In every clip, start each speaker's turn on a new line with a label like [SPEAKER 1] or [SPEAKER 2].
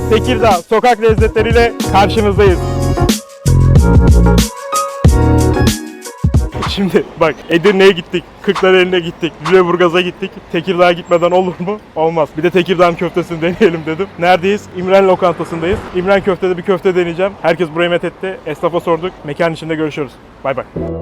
[SPEAKER 1] Tekirdağ sokak lezzetleriyle karşınızdayız. Şimdi bak, Edirne'ye gittik, Kırklareli'ne gittik, Lüleburgaz'a gittik. Tekirdağ'a gitmeden olur mu? Olmaz. Bir de Tekirdağ köftesini deneyelim dedim. Neredeyiz? İmren lokantasındayız. İmren köftede bir köfte deneyeceğim. Herkes burayı methetti. Esnafa sorduk. Mekan içinde görüşürüz. Bay bay.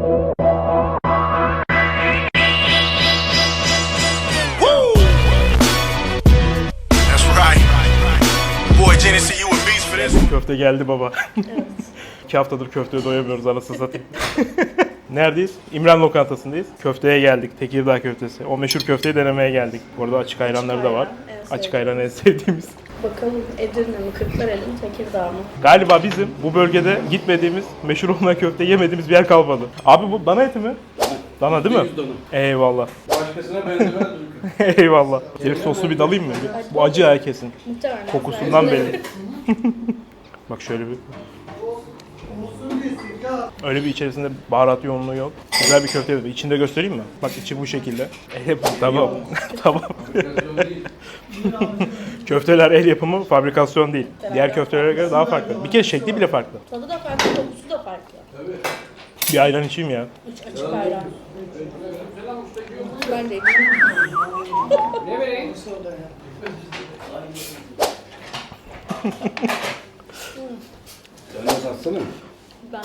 [SPEAKER 1] Köfte geldi baba. Evet. 2 haftadır köfteye doyamıyoruz, anasını satayım. Neredeyiz? İmren lokantasındayız. Köfteye geldik. Tekirdağ köftesi. O meşhur köfteyi denemeye geldik. Bu arada açık ayranları da var. Açık ayran en sevdiğimiz.
[SPEAKER 2] Bakalım Edirne mi, Kırklareli mi, Tekirdağ mı?
[SPEAKER 1] Galiba bizim bu bölgede gitmediğimiz, meşhur olmayan köfte yemediğimiz bir yer kalmadı. Abi bu dana eti mi? Dana değil mi? Eyvallah.
[SPEAKER 3] Başkasına benzemez.
[SPEAKER 1] Eyvallah. Direkt soslu bir dalayım mı? Bu acı herkesin.
[SPEAKER 2] Muhtemelen.
[SPEAKER 1] Kokusundan belli. Bak şöyle bir. Öyle bir içerisinde baharat yoğunluğu yok. Güzel bir köfte yapıyor. İçinde göstereyim mi? Bak içi bu şekilde. Tamam. Tamam. Köfteler el yapımı, fabrikasyon değil. Diğer köftelere göre daha farklı. Bir kere şekli bile farklı.
[SPEAKER 2] Tadı da farklı, kokusu da farklı.
[SPEAKER 1] Bir ayran içeyim ya.
[SPEAKER 2] İç açık ayran. Ben de
[SPEAKER 3] Ne vereyim? Sen de satsana.
[SPEAKER 2] Ben.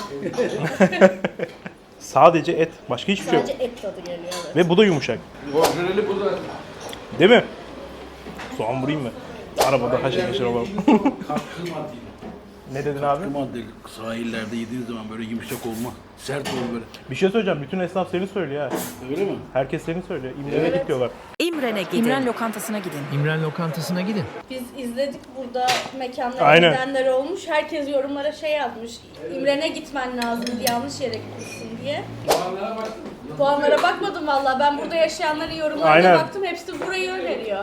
[SPEAKER 1] Sadece et. Başka hiçbir şey yok.
[SPEAKER 2] Sadece et tadı geliyor. Evet.
[SPEAKER 1] Ve bu da yumuşak.
[SPEAKER 3] Orijinali bu da.
[SPEAKER 1] Değil mi? Soğan vurayım mı? Arabada haşır neşir olalım.
[SPEAKER 3] Katkı madde.
[SPEAKER 1] Ne dedin abi?
[SPEAKER 4] Madde sahillerde yediğiniz zaman böyle yumuşak olma, sert olur böyle.
[SPEAKER 1] Bir şey söyleyeceğim. Bütün esnaf seni söylüyor ha.
[SPEAKER 4] Öyle mi?
[SPEAKER 1] Herkes seni söylüyor. İmren'e git diyorlar.
[SPEAKER 5] İmren'e gidin. İmren lokantasına gidin.
[SPEAKER 6] İmren lokantasına gidin.
[SPEAKER 2] Biz izledik burada mekanlara
[SPEAKER 1] Aynen.
[SPEAKER 2] gidenler olmuş. Herkes yorumlara şey yazmış. İmren'e gitmen lazım, yanlış yere gitmişsin diye.
[SPEAKER 3] Puanlara baktın mı?
[SPEAKER 2] Puanlara bakmadım valla. Ben burada yaşayanların yorumlarına
[SPEAKER 1] Aynen.
[SPEAKER 2] baktım. Hepsi burayı öneriyor.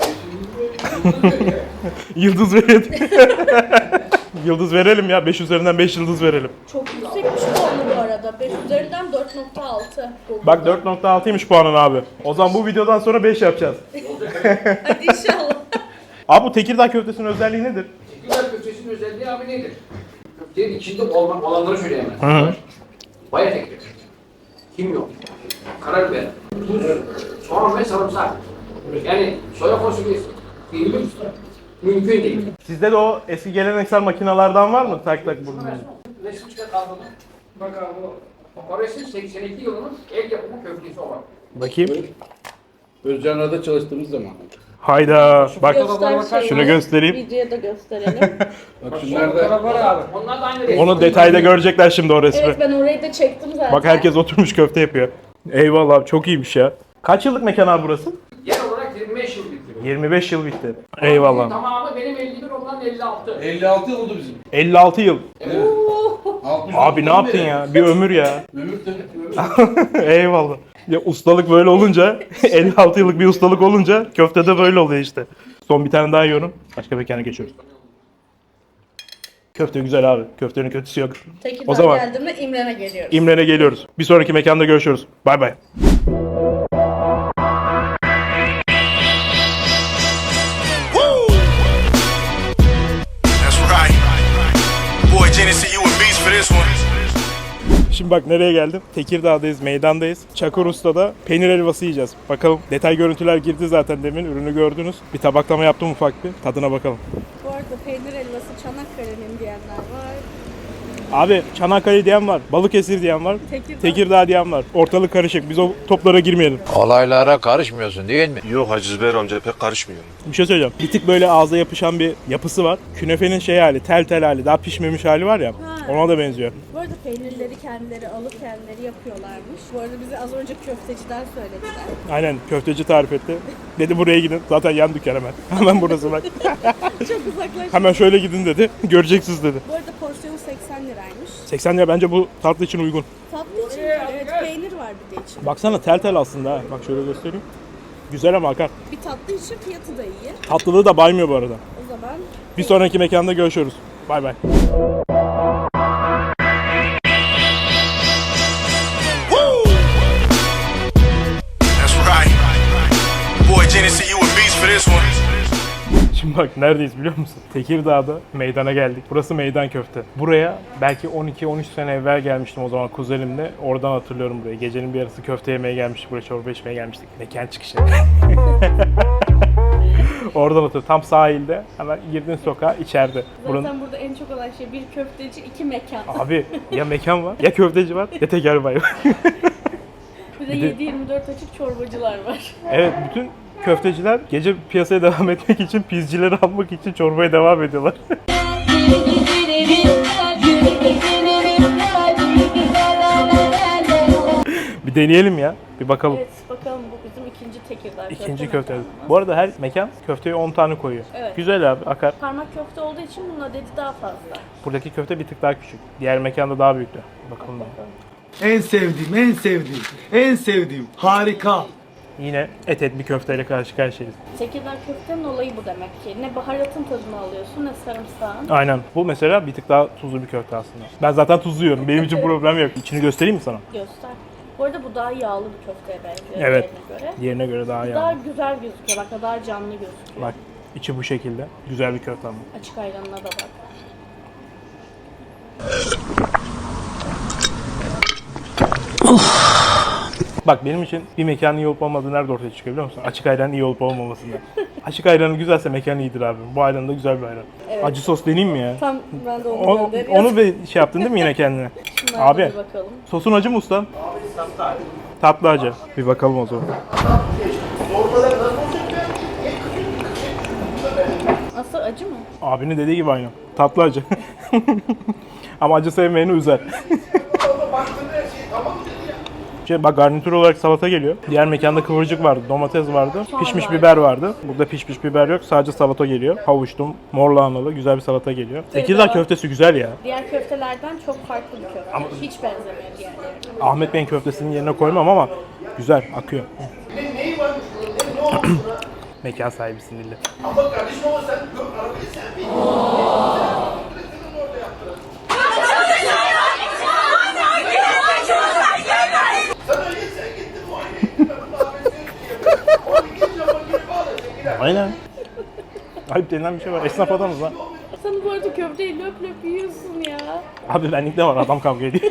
[SPEAKER 1] Yıldız verelim. Yıldız verelim ya. 5 üzerinden 5 yıldız verelim.
[SPEAKER 2] Çok yüksekmiş puanı bu arada. 5 üzerinden 4.6.
[SPEAKER 1] Bak 4.6'ymış puanın abi. O zaman bu videodan sonra 5 yapacağız.
[SPEAKER 2] Hadi inşallah.
[SPEAKER 1] Abi bu Tekirdağ köftesinin özelliği nedir?
[SPEAKER 3] Tekirdağ köftesinin özelliği abi nedir? Köftenin içinde olanları söyleyemez.
[SPEAKER 1] Hı.
[SPEAKER 3] Bayat ekmek. Kimyon. Karabiber. Tuz. Soğan ve sarımsak. Yani soya fasulyesi. Değil mümkün değil.
[SPEAKER 1] Sizde de o eski geleneksel makinalardan var mı? Tak tak bunu.
[SPEAKER 3] Resim çıkart aldığını. Bak abi o resim 82 yılının el yapımı köftesi olan.
[SPEAKER 1] Bakayım.
[SPEAKER 4] Özcanlar'da çalıştığımız zaman.
[SPEAKER 1] Hayda. Bak
[SPEAKER 2] Göster şeyi.
[SPEAKER 1] şunu göstereyim.
[SPEAKER 2] Videoya da gösterelim.
[SPEAKER 4] Bak şunlarda
[SPEAKER 3] Var abi. Onlar da aynı resim.
[SPEAKER 1] Onu detayda görecekler şimdi o resmi.
[SPEAKER 2] Evet ben orayı da çektim zaten.
[SPEAKER 1] Bak herkes oturmuş köfte yapıyor. Eyvallah abi, çok iyiymiş ya. Kaç yıllık mekan abi burası?
[SPEAKER 3] Yer olarak 25 yıl bitti.
[SPEAKER 1] 25 yıl bitti. Eyvallah.
[SPEAKER 3] Tamamı benim 51, ondan 56.
[SPEAKER 4] 56 yıl oldu bizim.
[SPEAKER 1] 56 yıl.
[SPEAKER 4] 60
[SPEAKER 1] Abi ne yaptın ya? Bir ömür ya.
[SPEAKER 4] Ömür de.
[SPEAKER 1] Eyvallah. Ya ustalık böyle olunca, 56 yıllık bir ustalık olunca köftede böyle oluyor işte. Son bir tane daha yiyorum. Başka mekana geçiyoruz. Köfte güzel abi. Köftenin kötüsü yok.
[SPEAKER 2] Tekirdağ
[SPEAKER 1] O zaman
[SPEAKER 2] geldiğimde İmren'e geliyoruz.
[SPEAKER 1] İmren'e geliyoruz. Bir sonraki mekanda görüşürüz. Bay bay.
[SPEAKER 7] That's right. Boy, Genesee, you a beast for this one.
[SPEAKER 1] Şimdi bak nereye geldim? Tekirdağ'dayız, meydandayız. Çakır Usta'da peynir helvası yiyeceğiz. Bakalım, detay görüntüler girdi zaten demin. Ürünü gördünüz. Bir tabaklama yaptım ufak bir. Tadına bakalım.
[SPEAKER 2] Bu arada peynir helvası Çanakkale'nin diyenler var.
[SPEAKER 1] Abi Çanakkale diyen var, Balıkesir diyen var,
[SPEAKER 2] Tekirdağ.
[SPEAKER 1] Tekirdağ diyen var. Ortalık karışık. Biz o toplara girmeyelim.
[SPEAKER 8] Olaylara karışmıyorsun değil mi?
[SPEAKER 7] Yok Hacı Zübeyir amca pek karışmıyor.
[SPEAKER 1] Bir şey söyleyeceğim. Bir tık böyle ağza yapışan bir yapısı var. Künefenin şey hali, tel hali, daha pişmemiş hali var ya. Ona da benziyor.
[SPEAKER 2] Bu arada peynirleri kendileri alıp kendileri yapıyorlarmış. Bu arada bize az önce köfteciden söylediler.
[SPEAKER 1] Aynen, köfteci tarif etti. Dedi buraya gidin. Zaten yan dükkan hemen. Hemen burası bak.
[SPEAKER 2] Çok uzaklaştık.
[SPEAKER 1] Hemen şöyle gidin dedi. Göreceksiniz dedi.
[SPEAKER 2] Bu arada porsiyonu 80 liraymış.
[SPEAKER 1] 80 lira bence bu tatlı için uygun.
[SPEAKER 2] Tatlı için evet peynir var bir de içinde.
[SPEAKER 1] Baksana tel aslında ha. Bak şöyle göstereyim. Güzel ama akar.
[SPEAKER 2] Bir tatlı için fiyatı da iyi.
[SPEAKER 1] Tatlılığı da baymıyor bu arada.
[SPEAKER 2] O zaman
[SPEAKER 1] Bir sonraki mekanda görüşürüz. Bay bay.
[SPEAKER 7] That's right. Boy, Genesee, you a beast for this one.
[SPEAKER 1] Şimdi Bak neredeyiz biliyor musun? Tekirdağ'da meydana geldik. Burası Meydan Köfte. Buraya belki 12-13 sene evvel gelmiştim o zaman kuzenimle. Oradan hatırlıyorum burayı. Gecenin bir yarısı köfte yemeye gelmiştik. Buraya çorba içmeye gelmiştik. Mekan çıkışı. Oradan hatırlıyorum. Tam sahilde. Hemen girdiğin sokağa içeride.
[SPEAKER 2] Zaten burada en çok olan şey bir köfteci, iki mekan.
[SPEAKER 1] Abi ya mekan var, ya köfteci var, ya teker bayi var.
[SPEAKER 2] Bir de 7-24 açık çorbacılar var.
[SPEAKER 1] Evet, bütün köfteciler gece piyasaya devam etmek için, pizcileri almak için çorbaya devam ediyorlar. Bir deneyelim ya, bir bakalım.
[SPEAKER 2] Evet, bakalım bu bizim ikinci Tekirdağ
[SPEAKER 1] İkinci köfte. Bu arada her mekan köfteye 10 tane koyuyor.
[SPEAKER 2] Evet.
[SPEAKER 1] Güzel abi, akar.
[SPEAKER 2] Parmak köfte olduğu için bunun adedi daha fazla.
[SPEAKER 1] Buradaki köfte bir tık daha küçük. Diğer mekanda daha büyüktü. Bakalım.
[SPEAKER 6] En sevdiğim, en sevdiğim, en sevdiğim. Harika.
[SPEAKER 1] Yine etli bir köfteyle karşı karşıyayız.
[SPEAKER 2] Tekirdağ köftenin olayı bu demek ki. Ne baharatın tadını alıyorsun ne sarımsağın.
[SPEAKER 1] Aynen. Bu mesela bir tık daha tuzlu bir köfte aslında. Ben zaten tuzlu yiyorum. Benim için problem yok. İçini göstereyim mi sana?
[SPEAKER 2] Göster. Bu arada bu daha yağlı bir köfteye benziyor
[SPEAKER 1] Evet.
[SPEAKER 2] diğerine göre.
[SPEAKER 1] Diğerine göre daha
[SPEAKER 2] Daha
[SPEAKER 1] yağlı.
[SPEAKER 2] güzel gözüküyor. Bak daha canlı gözüküyor.
[SPEAKER 1] Bak içi bu şekilde. Güzel bir köfte ama.
[SPEAKER 2] Açık ayranına da bak.
[SPEAKER 1] Bak benim için bir mekanın iyi olup olmadığı nerede ortaya çıkıyor biliyor musun? Açık ayranın iyi olup olmamasında. Açık ayranı güzelse mekan iyidir abi. Bu ayran da güzel bir ayran.
[SPEAKER 2] Evet.
[SPEAKER 1] Acı sos deneyeyim mi ya?
[SPEAKER 2] Tam ben de onu
[SPEAKER 1] O,
[SPEAKER 2] gönderiyorum.
[SPEAKER 1] onu bir şey yaptın değil mi yine kendine?
[SPEAKER 2] Şunlara
[SPEAKER 1] Abi.
[SPEAKER 2] da bir bakalım.
[SPEAKER 1] Sosun acı mı usta? Tatlı acı. Bir bakalım o zaman.
[SPEAKER 2] Nasıl acı mı?
[SPEAKER 1] Abinin dediği gibi aynı. Tatlı acı. Ama acı sevmeyeni üzer. Bak garnitür olarak salata geliyor. Diğer mekanda kıvırcık vardı, domates vardı, pişmiş biber vardı. Burada pişmiş biber yok, sadece salata geliyor. Havuçlu, mor lahanalı, güzel bir salata geliyor. Tekirdağ köftesi güzel ya.
[SPEAKER 2] Diğer köftelerden çok farklı bir köfte.
[SPEAKER 1] Ama-
[SPEAKER 2] Hiç benzemiyor diğerlerine.
[SPEAKER 1] Ahmet Bey'in köftesinin yerine koymam ama güzel, akıyor. Mekan sahibisin Dilli. Aynen. Ayıp denilen bir şey var. Esnaf adamız lan.
[SPEAKER 2] Sen bu arada köfteyi löp löp yiyorsun ya.
[SPEAKER 1] Abi benlik de var. Adam kavga ediyor.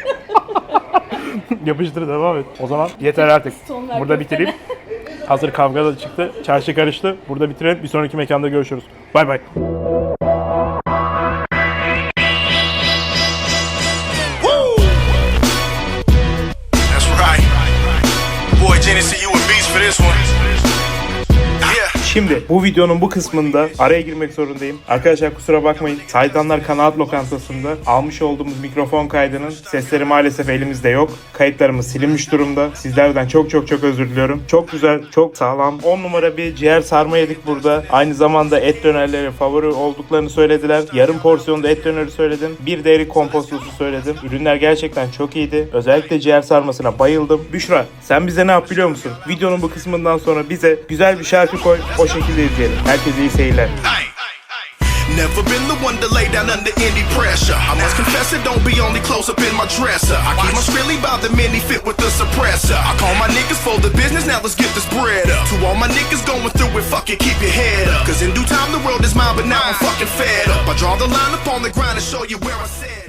[SPEAKER 1] Yapıştır devam et. O zaman yeter artık.
[SPEAKER 2] Son ver
[SPEAKER 1] Burada
[SPEAKER 2] köftene.
[SPEAKER 1] bitireyim. Hazır kavga da çıktı. Çarşı karıştı. Burada bitirelim. Bir sonraki mekanda görüşürüz. Bay bay.
[SPEAKER 7] That's right. Boy, Genesee, you a beast for this one. Yeah.
[SPEAKER 1] Şimdi bu videonun bu kısmında araya girmek zorundayım. Arkadaşlar kusura bakmayın. Saydanlar Kanaat Lokantası'nda almış olduğumuz mikrofon kaydının sesleri maalesef elimizde yok. Kayıtlarımız silinmiş durumda. Sizlerden çok özür diliyorum. Çok güzel, çok sağlam. 10 numara bir ciğer sarma yedik burada. Aynı zamanda et dönerleri favori olduklarını söylediler. Yarım porsiyonda et döneri söyledim. Bir de erik kompostosu söyledim. Ürünler gerçekten çok iyiydi. Özellikle ciğer sarmasına bayıldım. Büşra, sen bize ne yap biliyor musun? Videonun bu kısmından sonra bize güzel bir şarkı koy. O şekilde izleyelim. Herkese iyi seyirler.
[SPEAKER 7] Hey. Never been the one to lay down under any pressure. I must confess it don't be only close up in my dresser. I keep my skrilly by the mini fit with the suppressor. I call my niggas for the business, now let's get this bread up. To all my niggas going through it, fuck it, keep your head up. Cause in due time the world is mine, but now I'm fucking fed up. I draw the line up on the ground and show you where I said.